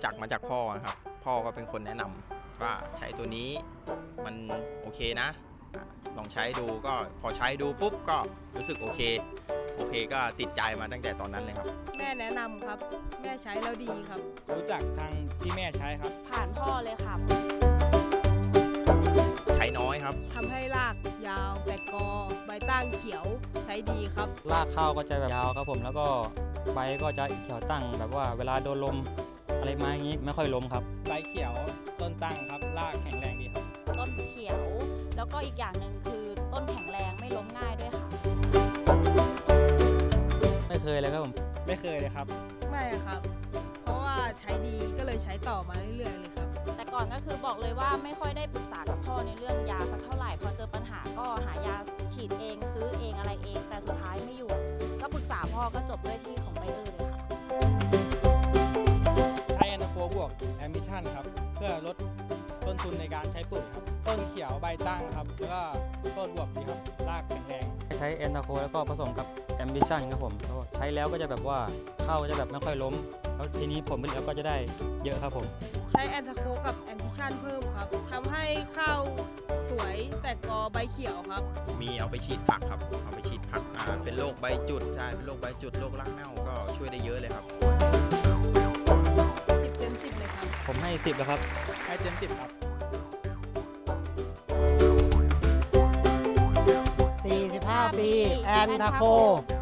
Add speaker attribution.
Speaker 1: จักมาจากพ่อนะครับพ่อก็เป็นคนแนะนำว่าใช้ตัวนี้มันโอเคนะลองใช้ดูก็พอใช้ดูปุ๊บก็รู้สึกโอเคก็ติดใจมาตั้งแต่ตอนนั้นเลยครับ
Speaker 2: แม่แนะนำครับแม่ใช้แล้วดีครับ
Speaker 3: รู้จักทางที่แม่ใช้ครับ
Speaker 4: ผ่านพ่อเลยครับ
Speaker 1: ใช้น้อยครับ
Speaker 2: ทำให้รากยาวแตกกอใบตั้งเขียวใช้ดีครับ
Speaker 5: รากข้าวก็จะแบบยาวครับผมแล้วก็ใบก็จะเขียวตั้งแบบว่าเวลาโดนลมอะไรมาอย่างนี้ไม่ค่อยล้มครับ
Speaker 3: ใบเขียวต้นตั้งครับรากแข็งแรงดีครับ
Speaker 4: ต้นเขียวแล้วก็อีกอย่างหนึ่งคือต้นแข็งแรงไม่ล้มง่ายด้วยค่ะ
Speaker 5: ไม่เคยเลยครับผม
Speaker 3: ไม่เคยเลยครับ
Speaker 2: ไม่ครับเพราะว่าใช้ดีก็เลยใช้ต่อมาเรื่อยๆเลยครับ
Speaker 4: แต่ก่อนก็คือบอกเลยว่าไม่ค่อยได้ปรึกษากับพ่อในเรื่องยาสักเท่าไหร่พอเจอปัญหาก็หายาฉีดเองซื้อเองอะไรเองแต่สุดท้ายไม่อยู่ก็ปรึกษาพ่อก็จบด้วยที่ของไบเออร์เลยค่ะ
Speaker 3: ใช้แอนนาโฟบวกแอมบิชันครับเพื่อลดต้นทุนในการใช้ปุ๋ยครับต้นเขียวใบตั้งครับแล้วก็ต้นบวบดีครับรากแข็งแรง
Speaker 5: ใช้แอนนาโคแล้วก็ผสมกับแอมบิชันครับผมใช้แล้วก็จะแบบว่าข้าวจะแบบไม่ค่อยล้มแล้วทีนี้ผลผลิตก็จะได้เยอะครับผม
Speaker 2: ใช้แอนทาโคกับแอมพิชันเพิ่มครับทำให้ข้าวสวยแตกกอใบเขียวครับ
Speaker 1: มีเอาไปฉีดผักครับเอาไปฉีดผักเป็นโรคใบจุดใช่เป็นโรคใบจุดโรครากเน่าก็ช่วยได้เยอะเลยครับ
Speaker 2: 10 เต็ม 10เลยครับ
Speaker 5: ผมให้10แล้วครับ
Speaker 3: ให้เต็ม10ครับ
Speaker 6: 45 ปีแอนทาโค